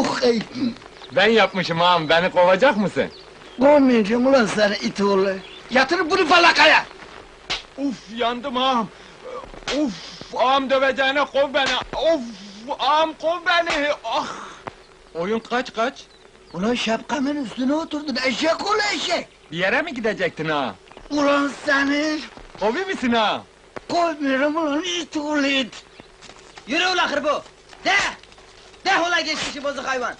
Ey! Ben yapmışım ağam, beni kovacak mısın? Kovmayacağım ulan seni it oğlu! Yatır bunu falakaya! Uf, yandım ağam! Uf, ağam döveceğine kov beni! Of, ağam kov beni! Ah! Oyun kaç? Ulan şapkamın üstüne oturdun, eşek oğlu eşek! Bir yere mi gidecektin ağam? Ulan seni! Kovi misin ağam? Kovmuyorum ulan it oğlu it! Yürü ula hırbo! De! De ula geçmişi bozuk hayvan!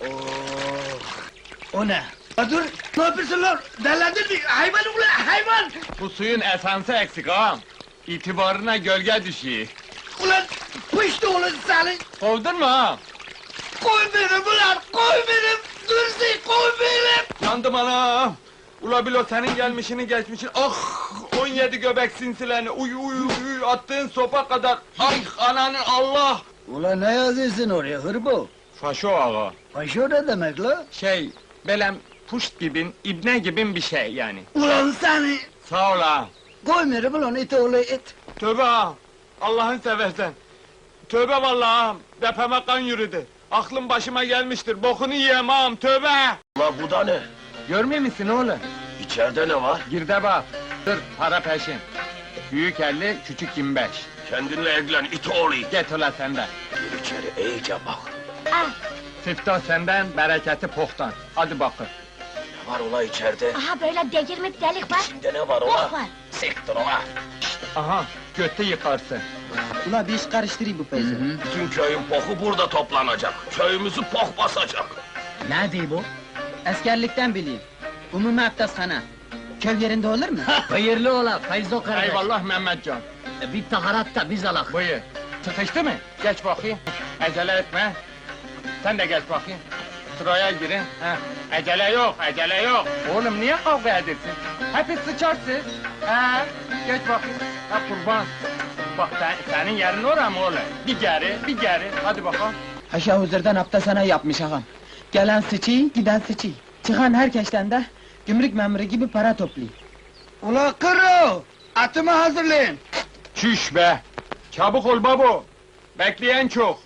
O ne? Ya dur! Ne yapıyorsun lan? Delendin mi? Hayvan ulan hayvan! Bu suyun esansı eksik ağam! İtibarına gölge düşüyor! Ulan pıştı oğlum seni! Kovdun mu ağam? Koy benim ulan! Koy benim! Dursun koy benim! Yandım anam! Ula bilo senin gelmişini geçmişini, ah! 17 göbek sinsilerini, uy attığın sopa kadar, ay ananı Allah! Ulan ne yazıyorsun oraya hırbo? Faşo ağa! Paşo ne demek la? Belem puşt gibin, ibne gibin bir şey yani. Ulan seni! Sağ ol ağam! Koymuyorum ulan it oğlu it! Tövbe ağam! Allah'ın seversen! Tövbe vallahi ağam! Depeme kan yürüdü! Aklım başıma gelmiştir, bokunu yiyem ağam, tövbe! La bu da ne? Görmüyor musun oğlum? İçeride ne var? Gir de bak! Dur, para peşin! Büyük 50, küçük 25. Kendinle ilgilen it oğlu. Get ola senden! Gir içeri iyice bak. Siftah senden, bereketi pohtan. Hadi bakın! Ne var ola içeride? Aha böyle delirmek delik var. İçinde ne var ola? Bok var. Siktir ola. Aha, götü yıkarsın! Ula bir iş karıştırayım bu peyzi. Bütün köyün poku burada toplanacak. Köyümüzü pok basacak. Ne diyor bu? Eskerlikten bileyim. Umumi abdesthane. Köy yerinde olur mu? Hayırlı ola Feyzo kardeş. Eyvallah Mehmetcan! Bir taharat da biz alak. Buyur! Sıkıştı mı? Geç bakayım! Acele etme! Sen de geç bakayım! Sıraya girin! Heh. Acele yok! Oğlum niye kavga edersin? Hepiniz sıçarsınız! Geç bakayım! Ha kurban! Bak senin yerin oraya mı oğlum? Bir geri! Hadi bakalım! Haşa huzurdan abdesthane yapmış ağam. Gelen sıçıyı, giden sıçıyı. Çıkan herkesten de gümrük memuru gibi para topluyor. Ulan kırı! Atımı hazırlayın! Çüş be! Çabuk ol babo! Bekleyen çok!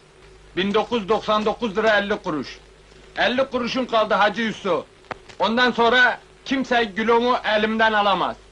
1999 lira 50 kuruş! 50 kuruşun kaldı Hacı Yusuf! Ondan sonra kimse gülümü elimden alamaz!